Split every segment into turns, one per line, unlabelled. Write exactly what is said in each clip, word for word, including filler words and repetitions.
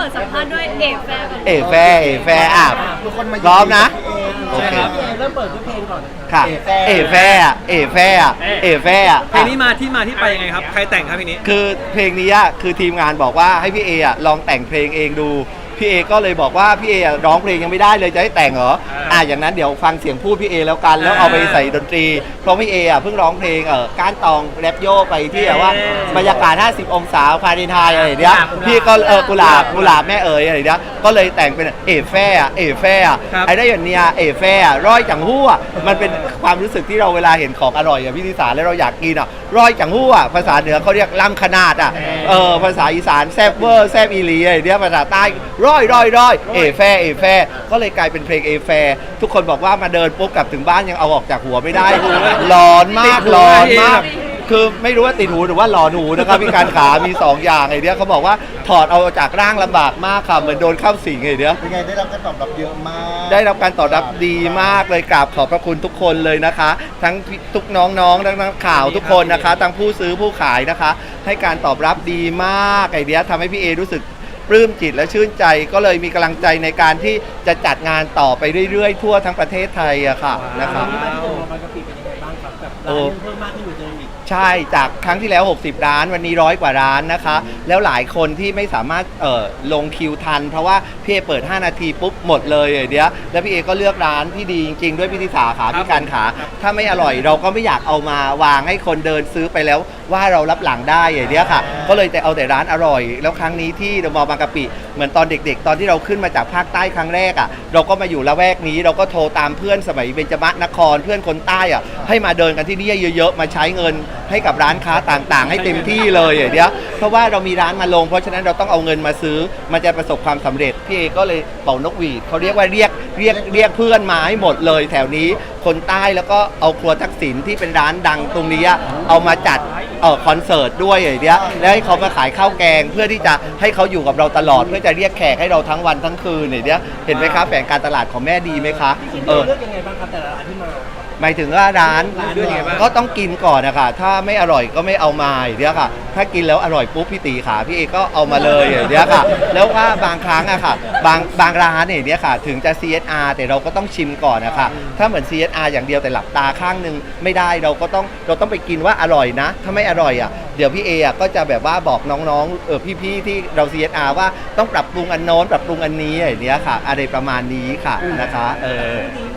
ปิดสัมภาษณ์ด้วยเอฟแฟร์ก่อน
เอแฟร์เอแฟร์อ่ะพร้อมนะโอเค
เริ่มเปิดด้วยเพลงก่อน
ค่ะเอแฟร์อ่ะเอแฟร์อ่ะเอแฟร์อ่ะ
เพลงนี้มาที่มาที่ไปยังไงครับใครแต่งครับเพลงนี้
คือเพลงนี้อ่ะคือทีมงานบอกว่าให้พี่เออ่ะลองแต่งเพลงเองดูพี่เอก็เลยบอกว่าพี่เอร้องเพลงยังไม่ได้เลยจะให้แต่งเหรออ่าอย่างนั้นเดี๋ยวฟังเสียงพูดพี่เอแล้วกันแล้วเอาไปใส่ดนตรีเพราะพี่เออ่ะเพิ่งร้องเพลงเออก้านตองแรปโยไปที่แบบว่าบรรยากาศห้าสิบองศาฟาเรนไฮต์อะไรเนี้ยพี่ก็เออกุหลาบกุหลาบแม่เอ๋ยอะไรเนี้ยก็เลยแต่งเป็นเอแฟร์เอแฟร์ไอ้ได้อย่างเนี้ยเอแฟร์ร้อยจังหู้อ่ะมันเป็นความรู้สึกที่เราเวลาเห็นของอร่อยอ่ะพี่ธิสาแล้วเราอยากกินอ่ะร้อยจังหู้อ่ะภาษาเหนือเขาเรียกล้ำขนาดอ่ะเออภาษาอีสานแซบเวอร์แซบอีหลีอะไรเนี้ยภาษาใต้ร้อยร้อยร้อยเอแฟร์เอแฟร์ก็เลยกลายเป็นเพลงเอแฟร์ทุกคนบอกว่ามาเดินปุ๊บกลับถึงบ้านยังเอาออกจากหัวไม่ได้ร้อนมากร้อนมากคือไม่รู้ว่าติดหูหรือว่าหลอนหูนะครับพี่การขามีสองอย่างไอ้เนี้ยเขาบอกว่าถอดเอาจากร่างลำบากมากค่ะเหมือนโดนเข้าสิงไอ้เนี้ย
เป็นไงได้รับการตอบรับเยอะมาก
ได้รับการตอบรับดีมากเลยกราบขอบพระคุณทุกคนเลยนะคะ ทั้งทุกน้องๆทั้งนักข่าวทุกคนนะคะทั้งผู้ซื้อผู้ขายนะคะ ให้การตอบรับดีมากไอ้เนี้ยทำให้พี่เอรู้สึกปลื้มจิตและชื่นใจก็เลยมีกำลังใจในการที่จะจัดงานต่อไปเรื่อยๆทั่วทั้งประเทศไทยอะค่ะนะครับ
ที่มาที่เดิมบางกะปิเป็นยังไงบ้างครับแบบร้านเพิ่มมากขึ้นกว่าเดิมอีก
ใช่จากครั้งที่แล้วหกสิบร้านวันนี้ร้อยกว่าร้านนะคะแล้วหลายคนที่ไม่สามารถเอ่อลงคิวทันเพราะว่าพี่เอเปิดห้านาทีปุ๊บหมดเลยไอ้เดียวแล้วพี่เอก็เลือกร้านที่ดีจริงๆด้วยพี่ธิสาขาพี่การขาถ้าไม่อร่อยเราก็ไม่อยากเอามาวางให้คนเดินซื้อไปแล้วว่าเรารับหลังได้ไอ้เดียวค่ะก็เลยแต่เอาแต่ร้านอร่อยแล้วครั้งนี้ที่เดอะมอลล์บางกะปิเหมือนตอนเด็กๆตอนที่เราขึ้นมาจากภาคใต้ครั้งแรกอ่ะเราก็มาอยู่ละแวกนี้เราก็โทรตามเพื่อนสมัยเบญจมนครเพื่อนคนใต้อ่ะให้มาเดินกันที่นี่เยอะๆมาใช้เงินให้กับร้านค้าต่างๆให้เต็มที่เลยอย่างเดียวเพราะว่าเรามีร้านมาลงเพราะฉะนั้นเราต้องเอาเงินมาซื้อมันจะประสบความสำเร็จพี่เอก็เลยเป่านกหวีดเขาเรียกว่าเรียกเรียกเรียกเพื่อนมาให้หมดเลยแถวนี้คนใต้แล้วก็เอาครัวทักษิณที่เป็นร้านดังตรงนี้เอามาจัดเออคอนเสิร์ตด้วยอย่างเดียวแล้วให้เขามาขายข้าวแกงเพื่อที่จะให้เขาอยู่กับเราตลอดเพื่อจะเรียกแขกให้เราทั้งวันทั้งคืนอย่างเดียวเห็นไหมคะแผนการตลาดของแม่ดีไหมคะเออ
เลือกยังไงบ้างครับแต่ละร้านที่มา
หมายถึงว่าร้านก็ต้องกินก่อนนะคะถ้าไม่อร่อยก็ไม่เอามาอย่างเดียวค่ะถ้ากินแล้วอร่อยปุ๊บพี่ตีขาพี่เอก็เอามาเลยอย่างเดียวค่ะแล้วว่าบางครั้งอะค่ะบางบางร้านเนี่ยเนี่ยค่ะถึงจะ ซี เอส อาร์ แต่เราก็ต้องชิมก่อนนะคะถ้าเหมือน ซี เอส อาร์ อย่างเดียวแต่หลับตาข้างนึงไม่ได้เราก็ต้องเราต้องไปกินว่าอร่อยนะถ้าไม่อร่อยอะเดี๋ยวพี่เออะก็จะแบบว่าบอกน้องๆเออพี่ๆที่เรา ซี เอส อาร์ ว่าต้องปรับปรุงอันโน้นปรับปรุงอันนี้อย่างเนี้ยค่ะอะไรประมาณนี้ค่ะนะคะเออ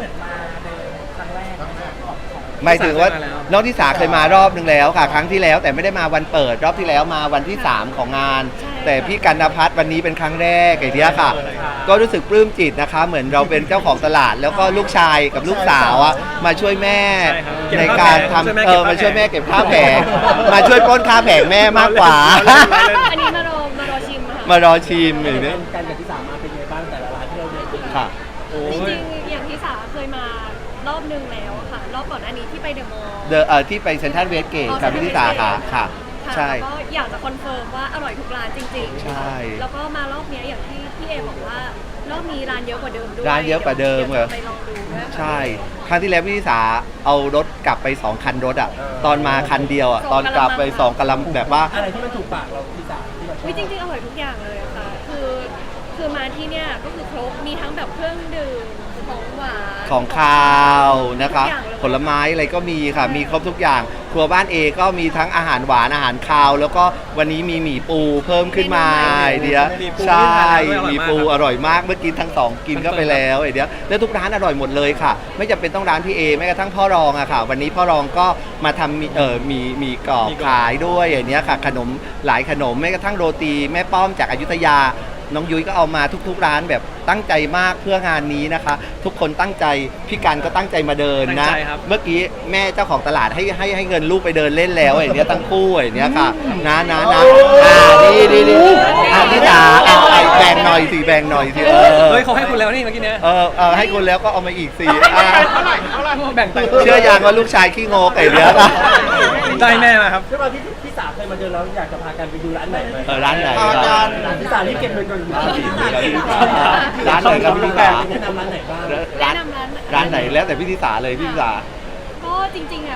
หมายถึงว่าน้องทิสาเคยมารอบนึงแล้วค่ะครั้งที่แล้วแต่ไม่ได้มาวันเปิดรอบที่แล้วมาวันที่สามของงานแต่พี่กันณภัทรวันนี้เป็นครั้งแรกไอ้เนี้ยค่ะก็รู้สึกปลื้มจิตนะคะเหมือนเราเป็นเจ้าของตลาดแล้วก็ลูกชายกับลูกสาวอ่ะมาช่วยแม่ในการทำเออมาช่วยแม่เก็บข้าวแผงมาช่วยปล้นข้าวแผงแม่มากกว่า
อันนี้มารอมารอชิมค่ะ
มารอชิมอย่างนี้
การกับที่สามมาเป็นยังไงบ้างแต่ละร้านที่เราเดินไป
ค่ะ
จริงๆอย่างที่สาเคยมารอบนึงแล้วค่ะรอบก่อนอันนี้ที่ไปเดอะมอลล์
เดอะเอ่อที่ไปเซ็นทรัลเวสเกตกับพี่ธิสาค่ะค่ะใช่
ก็อยากจะคอนเฟิร์มว่าอร่อยทุกร้านจริงๆ
ใช่
แล้วก็มารอบนี้อย่างที่พี่เอบอกว่ารอบนี้ร้านเยอะกว่าเดิมด้วย
ร้านเยอะกว่าเดิมเหรอ
ไปลองดูด้วย
ใช่ครั้งที่แล้วพี่ธิสาเอารถกลับไปสองคันรถอ่ะตอนมาคันเดียวอ่ะตอนกลับไปสองกะลำแบบว่า
อะไรที่มันถูกปากเราที่สามที่เราชอบ
จริงๆอร่อยทุกอย่างเลยอะค่ะคือคือมาที่เนี่ยก็คือครบมีทั้งแบบเครื่องดื่มของหวาน
ของคาวนะคะผลไม้อะไรก็มีค่ะมีครบทุกอย่างครัวบ้านเอก็มีทั้งอาหารหวานอาหารคาวแล้วก็วันนี้มีหมี่ปูเพิ่มขึ้นมาไอเดียใช่หมี่ปูอร่อยมากเมื่อกี้ทั้งสองกินก็ไปแล้วไอเดียแล้วทุกร้านอร่อยหมดเลยค่ะไม่จำเป็นต้องร้านพี่เอแม้กระทั่งพ่อรองอะค่ะวันนี้พ่อรองก็มาทำเอ่อมีมีกรอบขายด้วยอย่างเนี้ยค่ะขนมหลายขนมแม้กระทั่งโรตีแม่ป้อมจากอยุธยาน้องยุ้ยก็เอามาทุกๆร้านแบบตั้งใจมากเพื่องานนี้นะคะทุกคนตั้งใจพี่กันก็ตั้งใจมาเดินนะเมื่อกี้แม่เจ้าของตลาดให้ให้ให้เงินลูกไปเดินเล่นแล้วไอ้เนี้ยตั้งคู่ไอ้เนี้ยค่ะนะนะนะอ่าดีดีดีอ่าพี่จ๋าเอาไอ้แบ่งหน่อยสิแบ่งหน่อยสิเออ
เฮ้ยเขาให้คุณแล้วนี่เมื่อกี้เนี้ย
เออเออให้คุณแล้วก็เอามาอีกสิ
แบ่งไป
เชื่อยังว่าลูกชายขี้งกไอ้เนี้ย
ได้แม่มาครับ
ด้วยความที่ที่สามเคยมาเดินแล้วอยากจะพากันไปดูร้านไหนไหม
เออร้านไหน
ร้านที่สามรีบเก็บเงินก่อน
ร้านไหนครับพี่ธิสา
แนะนำร้านไหนบ้าง
แนะนำร้าน
ร้านไหนแล้วแต่พี่ธิสาเลยพี่ธิสา
ก็จริงๆอ่ะ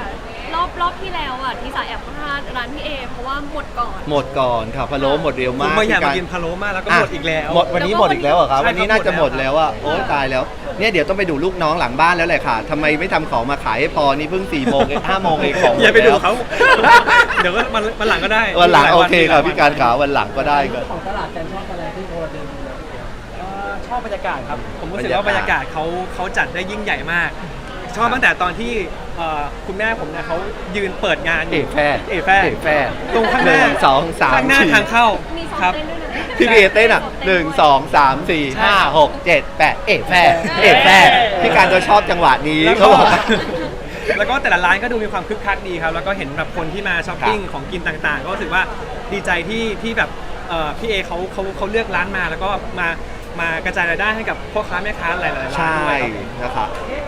รอบรอบที่แล้วอ่ะที่สายแอบพลาดร้านพี่เอเพราะว่าหมดก่อน
หมดก่อนค่ะพะโล้หมดเร็ว
ผม
มาก
มาอยากมา
พี่
กินพะโล้มากแล้วก็
ะ
หมดอีกแล้ว
หมดวันนี้หมดอีกแล้วเหรอครับ
ใช่ครับ
วันนี้น่าจะหมด
หมดแล้
แล้ว
ว
อ่ะโอ้ตายแล้วเนี่ยเดี๋ยวต้องไปดูลูกน้องหลังบ้านแล้วแหละค่ะทำไมไม่ทำของมาขายให้พอนี่เพิ่งสี่โมงเองห้าโมงเองของหม
อย่าไปดู
แล้ว
เขา เดี๋ยวก็มันมันหลังก็ได้
วันหลัง
มีาย
โอเค
มี
ค่ะ
ย
พี่การขาวันหลังก็ได้ก็
ของตลาดการชอบอะไรที่พอเดินดูแล้ว
เอ่อชอบบรรยากาศครับ ผมรู้สึก
บรรยากาศ
ว่าบรรยากาศเขาเขาจัดได้ยิ่งใหญ่มาก ชอบตั้งแต่ตอนที่เอ่อคุณแม่ผมเนี่ยเขายืนเปิดงานอ
เอยู่ แฟร์
เอแฟร์
เอแฟร์
ตรงข้างห
ห
น้า
นึ่งสองสาม
ข้างหน้า
สี่
ทางเข้า
มีซ้อม
ครับ
เต้นด้วยนะ
พี่เอเต้นอ่ะหนึ่งสองสามสี่ห้าหกเจ็ดแปดเอแฟร์เอแฟร์พี่การจะชอบจังหวะนี้
แล้ว
เขา
ก็
บอก
แล้วก็แต่ละร้านก็ดูมีความคึกคักดีครับ แล้วก็เห็นแบบคนที่มาช้อปปิ้ง
ครับ
ของกินต่างๆ ก็รู้สึกว่าดีใจที่ที่แบบเอ่อพี่เอเขาเขาเขาเลือกร้านมาแล้วก็มามากระจายรายได้ให้กับพ่อค้าแม่ค้าหลายๆร้าน
ใช่
ด้วยครับ
นะครับ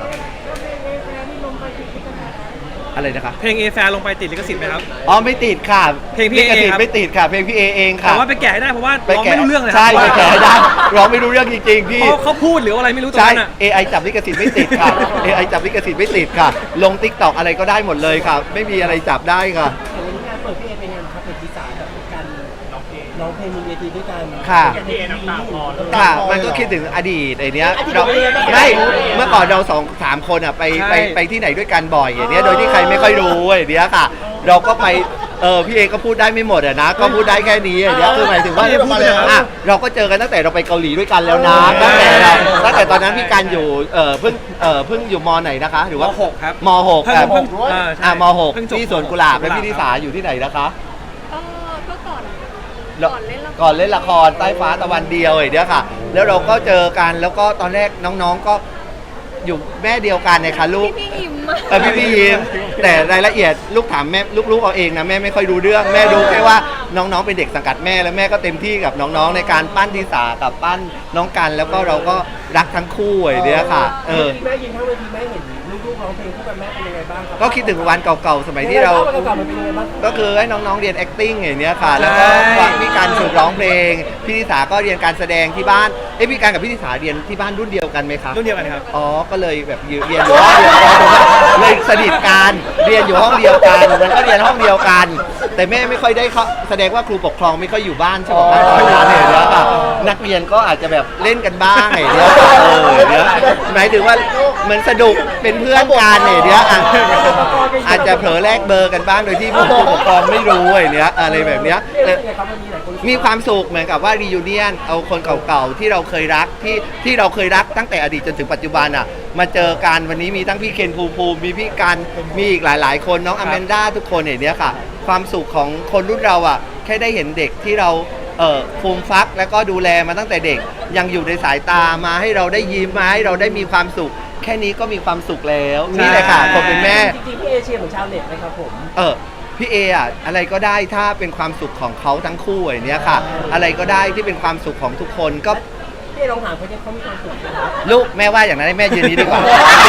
อะไรนะคะ
เพลงเอแฟลงไปติดลิขสิทธิ์ไหมครับ
อ๋อไม่ติดค่ะ
เพลงพี่
ลิขสิท
เอครั
ธิ์
บ
ไม่ติดค่ะเพลงพี่เอเองค่ะ
แต่ว่าไปแกะให้ได้เพราะว่า
ไป
ร้อง
แกะ
ไม่รู้เรื่องเลยครั
ใช่ไปแกะให้ได้
เพ
ร้องไม่รู้เรื่องจริงๆพี่
ราะเขาพูดหรืออะไรไม่รู้ตรง
ใช่
นั้นอ่ะ
เอ ไอ จับลิขสิทธิ์ไม่ติดค่ะ เอ ไอ จับลิขสิทธิ์ไม่ติดค่ะ ลง ติ๊กต็อก อะไรก็ได้หมดเลยค่ะ ไม่มีอะไรจับได้ค่ะ
อย่างวันนี้งานเปิดพี่เอเป็นงานครับเป็นที่สามแบบการร้องเพลงร้องเพลงบนเวทีด้วยกัน
ค่ะ
พี่เอน้ำตาคลอ
ค่ะ มันก็คิดถึงอดีตไอเนี้ย
อดีต
เรา
เป็นยังไงบ้าง
ไม่เมื่อก่อนเราสองสามคนอ่ะไปไปไปที่ไหนด้วยกันบ่อยอย่างเนี้ยโดยที่ใครไม่ค่อยรู้อย่างเนี้ยค่ะ เราก็ไปเออพี่เอก็พูดได้ไม่หมดอะนะ ก็พูดได้แค่นี้อย่างเนี้ยคือหมายถึงว่าอ่ะเราก็เจอกันตั้งแต่เราไปเกาหลีด้วยกันแล้วนะตั้งแต่เราตั้งแต่ตอนนั้นพี่การอยู่เออเพิ่งเออเพิ่งอยู่มไหนนะคะหรือ
ม
ว่า
หกครับ
มหก
เพิ่ง
อ่ะ
เพิ่งเออใช่
อ่ะมหก
เพิ่งจบ
ที่สวนกุหลาบและ
สวนกุหลาบ
พี่นิสาอยู่ที่ไหนนะคะ
ก็ก็ก่อน
แล้ว
ก่อนเล่นละคร
ก่อนเล่นละครใต้ฟ้าตะวันเดียวอย่างเนี้ยค่ะ แล้วเราก็เจอกันแล้วก็ตอนแรกน้องๆก็อยู่แม่เดียวกันเนี่ยค่ะลูก
พี่พี่ยิ้มอะ
เออพี่พี่ยิ้มแต่รายละเอียดลูกถามแม่ลูกๆเอาเองนะแม่ไม่ค่อยรู้เรื่องแม่รู้แค่ว่าน้องๆเป็นเด็กสังกัดแม่แล้วแม่ก็เต็มที่กับน้องๆในการปั้นทิสากับปั้นน้องกันแล้วก็เราก็รักทั้งคู่อย่างเนี้ยค่ะเออ
แม่ยินทั้งเวทีแม่เห็นลูกๆร้องเพลงคู่กันแม่เป็นยังไงบ้างครับ
ก็คิดถึงวันเก่าๆสมัยที่เรา
ภพเก่าๆมันเป็นยังไงบ้าง
ก็คือให้น้องๆเรียน acting อย่างเนี้ยค่ะ แล้วก็
ใช่
ฟังพี่การฝึกร้องเพลง พี่นิสาก็เรียนการแสดงที่บ้าน เอ้ยพี่การกับพี่นิสาเรียนที่บ้านรุ่นเดียวกันไหมคะ
รุ่นเดียวกันครับ
อ๋อ ก็เลยแบบอยู่เรียนอยู่ห้องเดียวกันเลยสนิทกันเรียนอยู่ห้องเดียวกันมันก็เรียนห้องเดียวกัน แต่แม่ไม่ค่อยได้เขาแสดงว่าครูปกครองไม่ค่อยอยู่บ้านใช่ไหมตอนนั้นเนี่ยเดี๋ยวค่ะนักเรียนก็อาจจะแบบเล่นกันบ้างไงเดี๋ยวเออเดี๋ยวหมายถึงว่าเหมือนสนุกเป็นเพื่อนกันเนี่ยเดี๋ยวอ่ะอาจจะเผลอแลกเบอร์กันบ้างโดยที่ผู้ปกครองไม่รู้ไอ้เนี้ยอะไรแบบเนี้ย
เอ๊ะ
แต่
เป็นยังไงครับวันนี้หลายคน
มีความสุขเหมือนกับว่ารี u n เนียนเอาคนเก่าๆที่เราเคยรักที่ที่เราเคยรักตั้งแต่อดีตจนถึงปัจจุบันอ่ะมาเจอกันวันนี้มีทั้งพี่เคนภูมิภูมิมีพี่กันมีอีกหลายๆ คนน้องอแมนด้าทุกคนอย่างเนี้ยค่ะ ความสุขของคนรุ่นเราอ่ะแค่ได้เห็นเด็กที่เราเอ่อฟูมฟักแล้วก็ดูแลมาตั้งแต่เด็กยังอยู่ในสายตามาให้เราได้ยิ้มมาให้เราได้มีความสุข แค่นี้ก็มีความสุขแล้วนี่แหละค่ะคนเป็นแม่
จริงๆพี่เอเชียเหมือนชาวเน็ตไหมครับผม
เออพี่เออะอะไรก็ได้ถ้าเป็นความสุขของเขาทั้งคู่อย่างเนี้ยค่ะ อะไรก็ได้ที่เป็นความสุขของทุกคนก็
พี่เอลองถามเขาดิเขามีความสุขไหมครับ
ลูกแม่ว่าอย่างนั้นให้แม่ยืนนี้ดีกว่า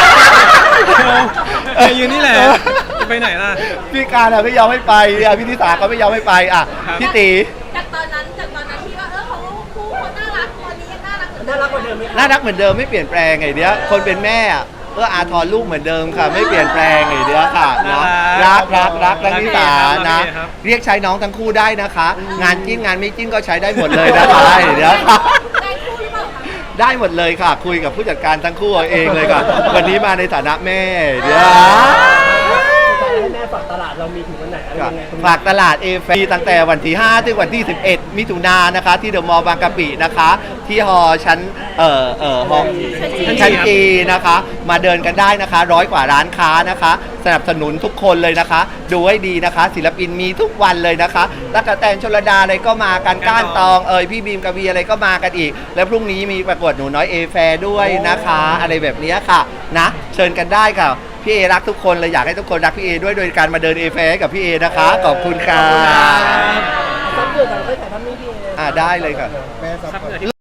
เออยืนนี่แหละจะไปไหนล่ะ
พี่การอะไม่ยอมให้ไปอ่ะพี่นิสาก็ไม่ยอมให้ไปอ่ะ
ครับ
พี่ตี
จากตอนนั้นจากตอนนั้นที่ว่าเออเขาคู่เขาน่ารักตอนนี้ยังน่ารักเหมือนเดิ
น่าม รักกว่าเดิมไหมครับ
น่ารักเหมือนเดิมไม่เปลี่ยนแปลงไงเนี้ยคนเป็นแม่อะเอออาทรลูกเหมือนเดิมค่ะ ไม่เปลี่ยนแปลงไงเนี้ยค่ะเนาะรักรักรักรักนิสานะเรียกใช้น้องทั้งคู่ได้นะคะ งานจิ้นงานไม่จิ้นก็ใช้ได้หมดเลยนะคะเดี๋ยวค่ะ
ได้คู่หรือเปล่าคะ
ได้หมดเลยค่ะ คุยกับผู้จัดการทั้งคู่เอาเองเลยค่ะ วันนี้มาในฐานะแม่เดี๋ยว
ให้แม่ฝากตลาดเรามีถึงวันไหนอะไรยังไงตรงนี้
ฝากตลาดเอฟตั้งแต่วันที่ห้าถึงวันที่สิบเอ็ดมิถุนายนนะคะ ที่เดอะมอลล์บางกะปินะคะ ที่ฮอชั้นเอ่อเอ่อฮอชั้นจีนะคะ มาเดินกันได้นะคะ ร้อยกว่าร้านค้านะคะ สนับสนุนทุกคนเลยนะคะ ดูให้ดีนะคะ ศิลปินมีทุกวันเลยนะคะตั๊กแตนชลดาอะไรก็มากันก้านตองเอ่ยพี่บีมกวีอะไรก็มากันอีก แล้วพรุ่งนี้มีประกวดหนูน้อยเอแฟร์ด้วยนะคะ อะไรแบบนี้ค่ะนะเชิญกันได้ค่ะพี่เอรักทุกคนเลยอยากให้ทุกคนรักพี่เอด้วยโดยการมาเดินเอแฟร์กับพี่เอนะคะขอบคุณค่ะ
ซับเดือดเราได้ถ่ายทำนี่พี่เอ
อ่าได้เลยค่ะ
ซับเหงื่อที่